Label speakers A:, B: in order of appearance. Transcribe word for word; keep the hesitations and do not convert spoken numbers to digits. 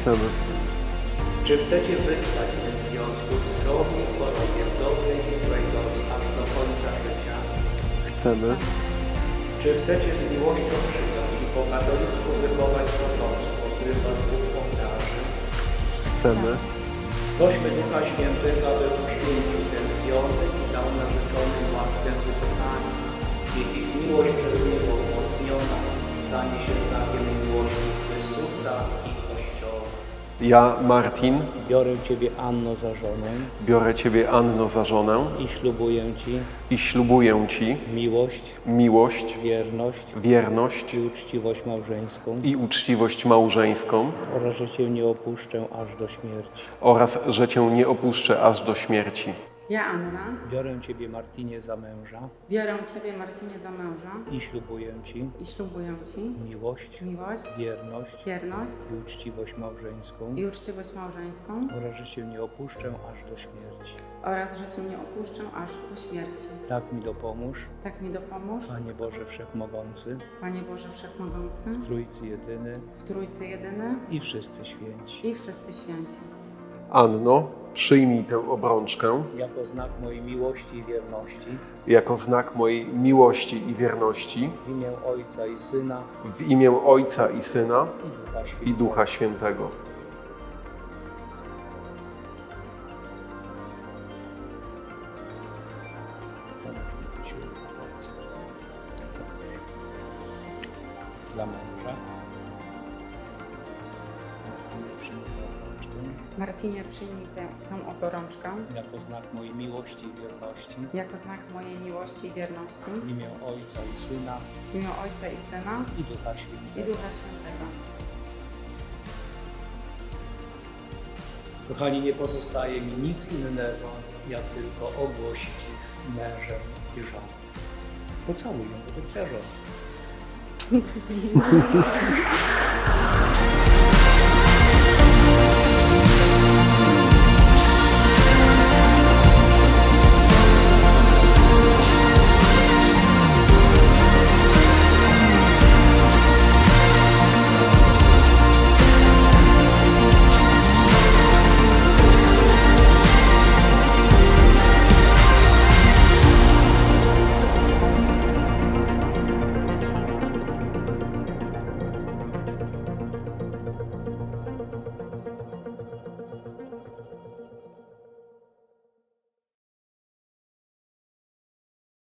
A: Chcemy.
B: Czy chcecie wytrwać w tym związku w zdrowiu i w chorobie, w dobrej i złej doli, aż do końca życia?
A: Chcemy.
B: Czy chcecie z miłością przyjąć i po katolicku wychować potomstwo, którym was Bóg obdarzy?
A: Chcemy.
B: Prośmy Ducha Świętego, aby uświęcił ten związek i dał narzeczonym łaskę wytrwania. Niech ich miłość przez Niego umocniona stanie się znakiem miłości Chrystusa i Kościoła.
A: Ja, Martin,
B: Biorę Ciebie, Anno, za żonę
A: biorę Ciebie, Anno, za żonę
B: i ślubuję Ci
A: i ślubuję Ci
B: miłość,
A: miłość,
B: wierność
A: wierność
B: i uczciwość małżeńską
A: i uczciwość małżeńską
B: oraz, że Cię nie opuszczę aż do śmierci.
A: oraz, że Cię nie opuszczę aż do śmierci.
C: Ja, Anna,
B: Biorę Ciebie, Martinie, za męża
C: biorę Ciebie, Marcinie, za męża
B: i ślubuję Ci
C: i ślubuję Ci
B: miłość,
C: miłość,
B: wierność
C: wierność
B: i uczciwość małżeńską
C: i uczciwość małżeńską
B: oraz, że Cię nie opuszczę aż do śmierci.
C: oraz, że Cię nie opuszczę aż do śmierci.
B: Tak mi dopomóż,
C: Tak mi dopomóż,
B: Panie Boże Wszechmogący,
C: Panie Boże Wszechmogący,
B: Trójcy Jedyny
C: w Trójcy Jedyny
B: i wszyscy święci.
C: i wszyscy święci.
A: Anno, przyjmij tę obrączkę
B: Jako znak mojej miłości i wierności
A: jako znak mojej miłości i wierności
B: w imię Ojca i Syna
A: w imię Ojca i Syna
B: i Ducha Świętego.
A: i Ducha Świętego.
B: Dla męża. Martynie, przyjmij tę obrączkę
C: Marcinie, przyjmij tę, tą oborączkę
B: jako znak mojej miłości i wierności
C: jako znak mojej miłości i wierności
B: w imię Ojca i Syna
C: w imię Ojca i Syna
B: i Ducha
C: i
B: Świętego.
C: Ducha Świętego.
B: Kochani, nie pozostaje mi nic innego, jak tylko ogłosić ich mężem i żoną. Pocałuj ją, to twoja żona.